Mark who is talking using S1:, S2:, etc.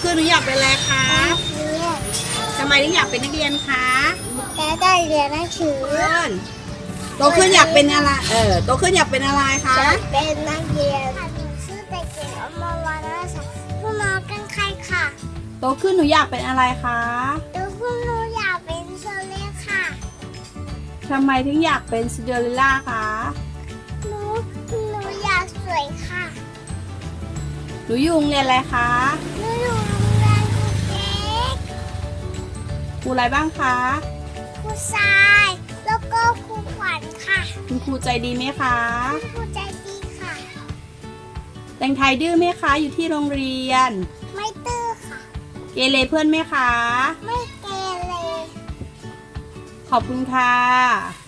S1: ขึ้นหนูอยากเป็นอะไรคะทำไมถึงอยากเป็นนักเรียนคะ
S2: แต่ได้เรียนหนังสือ
S1: โตขึ้นอยากเป็นอะไรโตขึ้นอยากเป็นอะไรคะ
S2: จะเป็นนักเรียนชื่อเด็กหญิงอมรวรรณศักดิ์ผู้มากันใครค่ะ
S1: โตขึ้นหนูอยากเป็นอะไรคะ
S2: ดูคุณหนูอยากเป็นโซเล่ค่ะ
S1: ทำไมถึงอยากเป็นซินเดอเรลล่าคะ
S2: หนูอยากสวยค่ะ
S1: หนูอยู่โรงเรียนอะไรคะ
S2: หนูอยู่โรงเรียนครูเก๊ก
S1: ครูอะไรบ้างคะ
S2: ครูทรายแล้วก็ครูขวัญค่ะ
S1: คุณครูใจดีไหมคะ
S2: ครูใจดีค่ะ
S1: แต่งไทยดื้อไหมคะอยู่ที่โรงเรียน
S2: ไม่ตื้อค่ะ
S1: เกเรเพื่อนไหมคะ
S2: ไม่เกเร
S1: ขอบคุณค่ะ